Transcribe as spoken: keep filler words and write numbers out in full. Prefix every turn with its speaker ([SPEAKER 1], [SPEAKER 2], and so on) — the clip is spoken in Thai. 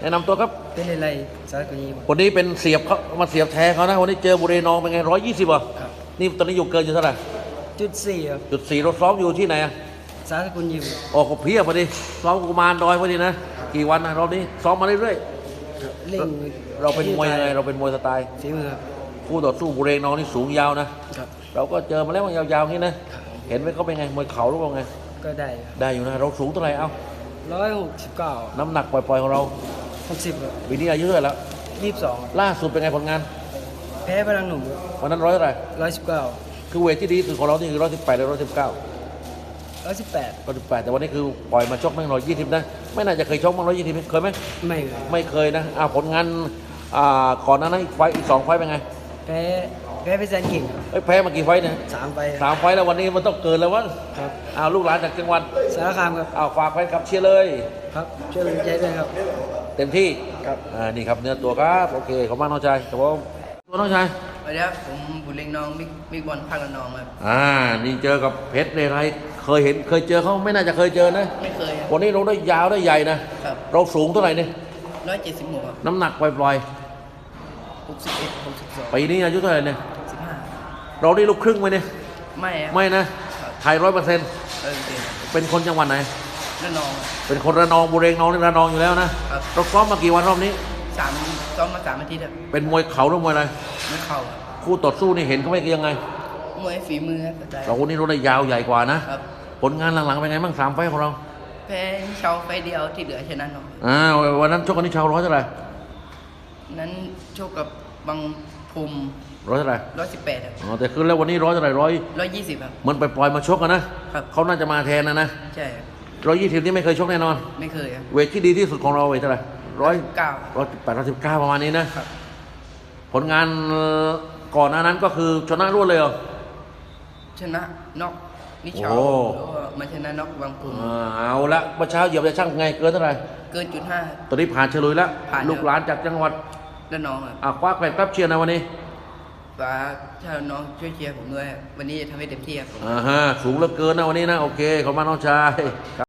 [SPEAKER 1] แนะนำตัวครับ
[SPEAKER 2] เป็นอะไรสารคดี
[SPEAKER 1] วันนี้เป็นเสียบเขามาเสียบแทงเขานะวันนี้เจอบุรีนองเป็นไงร้อยยี่สิบอ่ะ
[SPEAKER 2] ครับ
[SPEAKER 1] นี่ตอนนี้อยู่เกินอยู่เท่าไหร่
[SPEAKER 2] จุดสี่ครับ
[SPEAKER 1] จุดสี่เราซ้อมอยู่ที่ไหนอ่ะ
[SPEAKER 2] สารกุลยิม
[SPEAKER 1] ออกกับเพียบพอดีซ้อมกุมารดอยพอดีนะกี่วันนะรอบนี้ซ้อมมาเรื่อย
[SPEAKER 2] เล่ง
[SPEAKER 1] ๆเราเป็นมวยยังไงเราเป็นมวยสไตล์
[SPEAKER 2] ฝีมือครับ
[SPEAKER 1] คู่ต่อสู้บุรีนองนี่สูงยาวนะครับเราก็เจอมาแล้วมันยาวๆอย่างนี้นะเห็นไหมเขาเป็นไงมวยเข่าหรือเปล่าไง
[SPEAKER 2] ก็ได้
[SPEAKER 1] ได้อยู่นะเราสูงเท่าไหร่เอ้า
[SPEAKER 2] ร้อยหกสิบเก้า
[SPEAKER 1] น้ำหนักปล่อยๆของเรา
[SPEAKER 2] หกสิบครับ
[SPEAKER 1] ปีนี้อายุเท่าไหร่แล้ว
[SPEAKER 2] ยี่สิบสอง
[SPEAKER 1] ล่าสุดเป็นไงผลงาน
[SPEAKER 2] แพ้พลังหนุ่ม
[SPEAKER 1] วันนั้นร้อยเท่าไหร่
[SPEAKER 2] ร้อยสิบเก้า
[SPEAKER 1] คือเวทที่ดีสุดของเรานี่คือร้อยสิบแปดหรือร้อยสิบเก้า
[SPEAKER 2] ร้อยสิบแปด
[SPEAKER 1] ร้อยสิบแปดแต่วันนี้คือปล่อยมาชกไม่ร้อยยี่สิบนะไม่น่าจะเคยชกมาร้อยยี่สิบเคยไหม
[SPEAKER 2] ไม่เคย
[SPEAKER 1] ไม่เคยนะอ่าผลงานอ่าก่อนหน้านั้นอีกไฟอีกสองไฟเป็นไง
[SPEAKER 2] แพ้แพ้ไปแซนกิ่ง
[SPEAKER 1] เอ้ยแพ้มากี่ไฟเนี่ย
[SPEAKER 2] สามไฟ
[SPEAKER 1] สามไฟแล้ววันนี้มันต้องเกินแล้ววะ
[SPEAKER 2] ครับ
[SPEAKER 1] อ้าวลูกหลานจากจังหวัด
[SPEAKER 2] สารคามครับ
[SPEAKER 1] อ้าวฝากแฟนคลับเชียร์เลย
[SPEAKER 2] ครับช่วยเป็นใจด้วยครับ
[SPEAKER 1] เต็มที่
[SPEAKER 2] ครับ
[SPEAKER 1] อ่านี่ครับเนื้อตัวครับโอเคขอบคุณมากน้องชายครับผมตัวน้องชาย
[SPEAKER 3] สวัสดีครับผมบุญเล็งน้องบิ๊กบิ๊กบอลภาคละนองครับ
[SPEAKER 1] อ่านี่เจอกับเพชรเรไรเคยเห็นเคยเจอเขาไม่น่าจะเคยเจอนะ
[SPEAKER 3] ไม่เคยครับ
[SPEAKER 1] วันนี้เราได้ยาวได้ใหญ่นะครับเราสูงเท่าไหร่เนี่ย
[SPEAKER 3] ร้อยเจ็ดสิบหกครับ
[SPEAKER 1] น้ำหนักปล่อย
[SPEAKER 3] หกสิบเอ็ดหกสิบสอง
[SPEAKER 1] ๆปีนี้อายุเท่าไหร่เนี่ย
[SPEAKER 3] สิบห้า
[SPEAKER 1] เราได้ลูกครึ่งไหมเนี่ย
[SPEAKER 3] ไม่ครับ
[SPEAKER 1] ไม่นะไทยร้อยเปอร์เซ็นต์
[SPEAKER 3] เออจริง
[SPEAKER 1] เป็นคนจังหวัดไหน
[SPEAKER 3] ละนอง
[SPEAKER 1] เป็นคนระนองบุรีนองนี่ระนองอยู่แล้วนะครับเราซ้อมมากี่วันรอบนี้
[SPEAKER 3] สามซ้อมมาสามอาทิตย์ครับ
[SPEAKER 1] เป็นมวยเข่าหรือมวยอะไร
[SPEAKER 3] ไม่เข่าครับ
[SPEAKER 1] คู่ต่อสู้นี่เห็นเขาไม่ยังไง
[SPEAKER 3] มวยฝีมือครับแต่
[SPEAKER 1] เราคนนี้เราได้ยาวใหญ่กว่านะครับผลงานหลังๆเป็นไงบ้างสามไฟของเรา
[SPEAKER 3] แพ้เชาไฟเดียวที่เหลือชนะน้อง
[SPEAKER 1] อ่าวันนั้นชกกันที่ชาวร้อยเท่าไหร่
[SPEAKER 3] นั้นโชคกับบางภูมิ
[SPEAKER 1] ร้อยเท่าไหร่
[SPEAKER 3] ร้อยสิบแปดครับ
[SPEAKER 1] อ๋อแต่คือแล้ววันนี้ร้อยเท่าไหร่ร้อย
[SPEAKER 3] ร้อยยี่สิบครับ
[SPEAKER 1] มันไปปล่อยมาชกกันนะครับเขาน่าจะมาแทนนะนะ
[SPEAKER 3] ใช่ครับ
[SPEAKER 1] ร้อยยี่สิบนี่ไม่เคยชกแน่นอน
[SPEAKER 3] ไม่เคยครับ
[SPEAKER 1] เวทที่ดีที่สุดของเราเวทเท่าไหร่ร้อย
[SPEAKER 3] เก้า
[SPEAKER 1] ร้อยแปดร้อยสิบเก้าประมาณนี้นะครับผลงานก่อนหน้านั้นก็คือชนะรวดเลยเหรอ
[SPEAKER 3] ชนะน็อกนิชาแล้วมาชนะน็อกบางภูมิ
[SPEAKER 1] เอาละเมื่อเช้าเหยียบจะช่างไงเกินเท่าไหร่
[SPEAKER 3] เกินจุดห้า
[SPEAKER 1] ตอนนี้ผ่านเฉลยแล้วลูกหลานจากจังหวัด
[SPEAKER 3] ละนองครับ
[SPEAKER 1] อ่ะคว้าแกรบเชียร์นะวันนี้
[SPEAKER 3] ฝากถ้าน้องช่วยเชียร์ผมด้วยวันนี้จะทำให้เต็มที่ครับ
[SPEAKER 1] อ่าฮะสูงเหลือเกินนะวันนี้นะโอเคขอบคุณมากน้องชาย